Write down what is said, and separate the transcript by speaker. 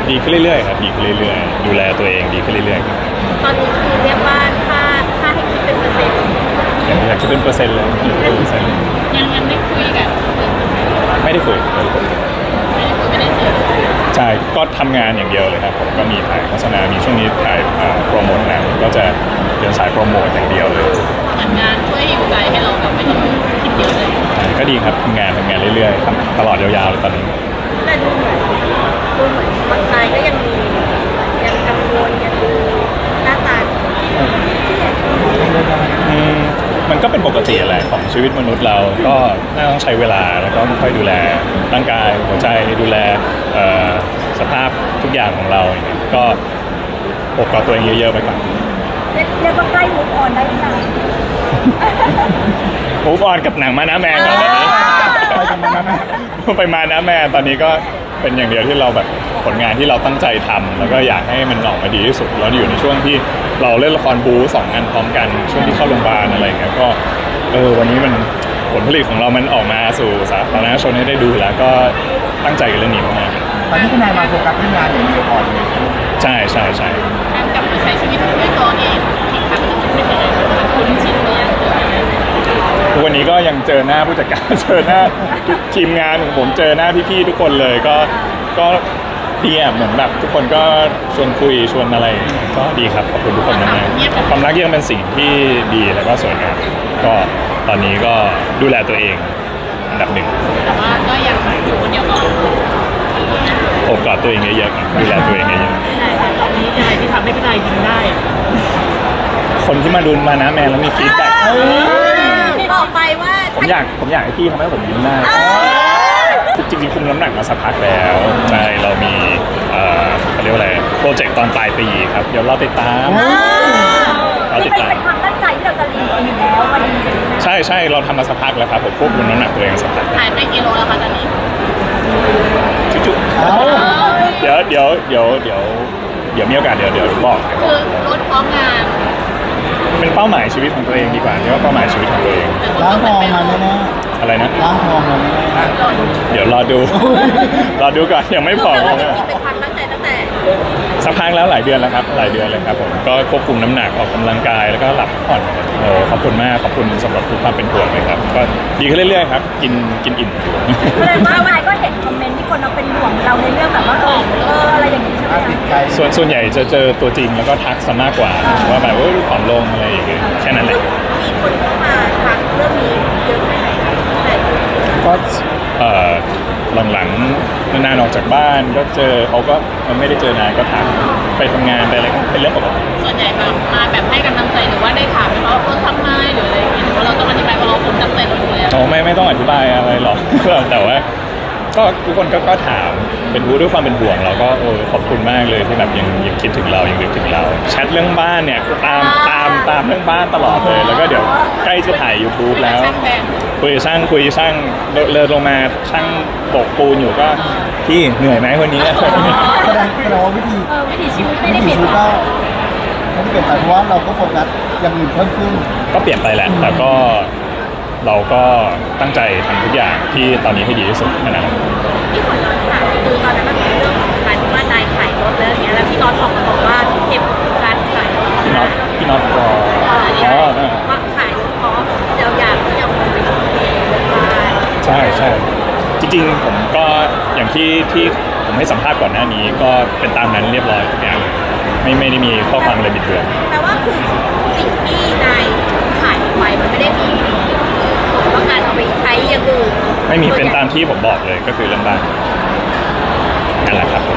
Speaker 1: ดีขึ้นเรื่อยๆครับดีขึ้นเรื่อยๆดูแลตัวเองดีขึ้นเรื่อยๆครับ
Speaker 2: ตอนนี้คือเรียกว่าถ้าให้คิดเป็นเปอร์เซ็นต์
Speaker 1: อยากคิดเป็นเปอร์เซ็นต์เลย100%
Speaker 3: ยังได้คุยกัน
Speaker 1: ไม่ได้คุย
Speaker 3: ไม่ได้เจอ
Speaker 1: ใช่ก็ทำงานอย่างเดียวเลยครับผมก็มีถ่ายโฆษณามีช่วงนี้ถ่ายโปรโมทหนังก็จะเดินสายโปรโมทอย่างเดียวเลย
Speaker 3: เหมือนงานช่วยอยู่ใจให้เราแบบไม่ต้องคิดเยอะเลย
Speaker 1: ก็ดีครับทำงานเรื่อยๆทำตลอดยาวๆเลยตอนนี้
Speaker 2: แต่ดูเหมือนบางรายก็ยังมียังกังวลยังดูหน้าตาที่
Speaker 1: มันก็เป็นปกติแหละของชีวิตมนุษย์เราก็น่าต้องใช้เวลาแล้วก็ค่อยดูแลร่างกายหัวใจดูแลสภาพทุกอย่างของเราอย่างเงี้ยก็อบกับตัวเองเยอะๆไปก่อน
Speaker 2: เรียกว่าใกล้ move on ได้หรือยัง
Speaker 1: มูฟออนกับหนังมานะแมนก่อนตอนนี้ไปมานะแมนตอนนี้ก็เป็นอย่างเดียวที่เราแบบผลงานที่เราตั้งใจทำแล้วก็อยากให้มันออกมาดีที่สุดเราอยู่ในช่วงที่เราเล่นละครบู๊2งานพร้อมกันช่วงที่เข้าโรงพยาบาลอะไรอย่างเงี้ยก็วันนี้มันผลผลิตของเรามันออกมาสู่สาธารณชนให้ได้ดูแล้วก็ตั้งใจกับเรื่องนี้มาก
Speaker 4: ตอนนี้คุณนายมาโฟกัสเรื่องงานอย่างเดียวก่อนเลย
Speaker 1: ใช่ใช่ใช่
Speaker 3: การกลับมาใช้ชีวิตด้วยตัวเองอีกครั้งหนึงเป็นยังไงบ้างคุณชินเนี่ย
Speaker 1: ทุกวันนี้ก็ยังเจอหน้าผู้จัดการ เจอหน้าทุกทีมงานของผมเจอหน้าพี่ๆทุกคนเลยก็ดีอ่ะเหมือนแบบทุกคนก็ชวนคุยชวนอะไรก็ดีครับขอบคุณทุกคนมากๆความรักยังเป็นสิ่งที่ดีแล้วก็สวยงามก็ตอนนี้ก็ดูแลตัวเองอันดับหนึ่ง
Speaker 3: แต่ว่าก็ยังอยู่คนเดียวก่อน
Speaker 1: โอบกอดตัวเองเยอะๆครับดูแลตัวเองเยอะ
Speaker 3: ตอนนี้อะไรที่ทำให้พี่นายยิ้มได้
Speaker 1: ๆคนที่มาดูมานะแมนแล้วมีฟีดแบ็ก
Speaker 2: บอกไปว่า
Speaker 1: ผมอยากให้พี่ทำให้ผมยิ้มได้จริงๆคุมน้ำหนักมาสักพักแล้วใช่เรามีเขาเรียกว่าอะไรโปรเจกต์ตอนปลายปีครับเดี๋ยวเราติดตามเราติดตาม
Speaker 2: เป็นความตั้งใจที่เราจะเรียนอยู่แล้ววันนี้
Speaker 1: ใช่เราทำมาสักพักแล้วครับผมควบคุมน้ำหนักตัวเองสักพัก
Speaker 3: หายไปกี่โลแล้วคะตอนนี้
Speaker 1: จุ๊บๆเดี๋ยวมีโอกาสเดี๋ยวบอก
Speaker 3: คือลดพร้อมงาน
Speaker 1: เป็นเป้าหมายชีวิตของตัวเองดีกว่าเรียกว่าเป้าหมายชีวิตของตัวเอง
Speaker 4: ล้างทองมาแน่
Speaker 1: อะไรนะ
Speaker 4: ๆล้างทองมาแน่
Speaker 1: เดี๋ยวรอดู รอดูก่อนยังไม่บอก
Speaker 2: เป็นความตั้งใจตั้งแต่
Speaker 1: สักพักแล้วหลายเดือนแล้วครับหลายเดือนเลยครับผมก็ควบคุมน้ำหนักออกกำลังกายแล้วก็หลับพักผ่อนขอบคุณมากขอบคุณสำหรับทุกความเป็นห่วงเลยครับก็ดีขึ้นเรื่อยๆครับกินอิ่ม
Speaker 2: แสดงว่าไมก็เห็นคอมเมนต์ที่คนเราเป็นห่วงเราในเรื่องแบบว่าอะไรอย่างนี้ใช่ไหม
Speaker 4: ๆติดใจ
Speaker 1: ส่วนใหญ่จะเจอตัวจริงแล้วก็ทักซะมากกว่าว่าแบบว่าผอมลงอะไรอย่างเงี้ยแค่นั้นแหละ
Speaker 2: มีคนเข้ามาทักเรื่องนี้เยอะแค่ไหนแต่
Speaker 1: ก็หลังๆนานๆออกจากบ้านก็เจอเขาก็ไม่ได้เจอนานก็ทักไปทำงานไปอะไรก็เป็นเรื่องปกติ
Speaker 3: ส่วนใหญ่มาแบบให้กำลังใจหรือว่าได้ถามไหมว่าเราทำไมหรืออะไรอย่างเงี้ยหรือว่าเราต้องอธิบายว่าเราคงตั้งใจเราดูแล
Speaker 1: โอ้ไม่ต้องอธิบายอะไรหรอก แต่ว่าก็ทุกคนก็ถามเป็นรู้ด้วยความเป็นห่วงเราก็ขอบคุณมากเลยที่แบบยังคิดถึงเรายังนึกถึงเราแชทเรื่องบ้านเนี่ยตามเรื่องบ้านตลอดเลยแล้วก็เดี๋ยวใกล้จะถ่าย YouTube แล้ว
Speaker 3: ช่างแบง
Speaker 1: คุยช่างเลินลงมาช่างโบกปูนอยู่ก็พี่เหนื่อยไหมวันนี้
Speaker 4: แสดงว่าวิธี
Speaker 2: วิถีชีวิตไม่ได้
Speaker 4: วิ
Speaker 2: เป
Speaker 4: ถี
Speaker 2: ลี่ยน
Speaker 4: ชีวิตก็ไม่ได้เปลี่ยนไปเพราะว่าเราก็โฟกัสอย่างอื่นเพิ่มขึ้น
Speaker 1: ก็เปลี่ยนไปแหละแต่ก็เราก็ตั้งใจทำทุกอย่างที่ตอนนี้ให้ดีที่สุดนะครับ
Speaker 2: ที่ขอย้อนถามคือตอนนั้นมันเป็นเรื่องของการที่ว่านายขายรถแล้วอย่างเงี้ยแล้วพี่น็อตออกมาบอกว่าเก็บการขายรถ
Speaker 1: พี่น็อตรออ๋อ
Speaker 2: ว่าขายรถเพราะเราอยากที่จะเอาไปลงทุนเรื่องบ้าน
Speaker 1: ใช่จริงๆผมก็อย่างที่ผมให้สัมภาษณ์ก่อนหน้านี้ก็เป็นตามนั้นเรียบร้อยทุกอย่างไม่ได้มีข้อความอะไรบิดเบือน
Speaker 2: แต่ว่าคือสิ่งที่นายขายไปมันไม่ได้มีผลว่าการเอาไปใช้อย่างอื่น
Speaker 1: ไม่มีเป็นตามที่ผมบอกเลยก็คือเรื่องบ้านนั่นแหละครับ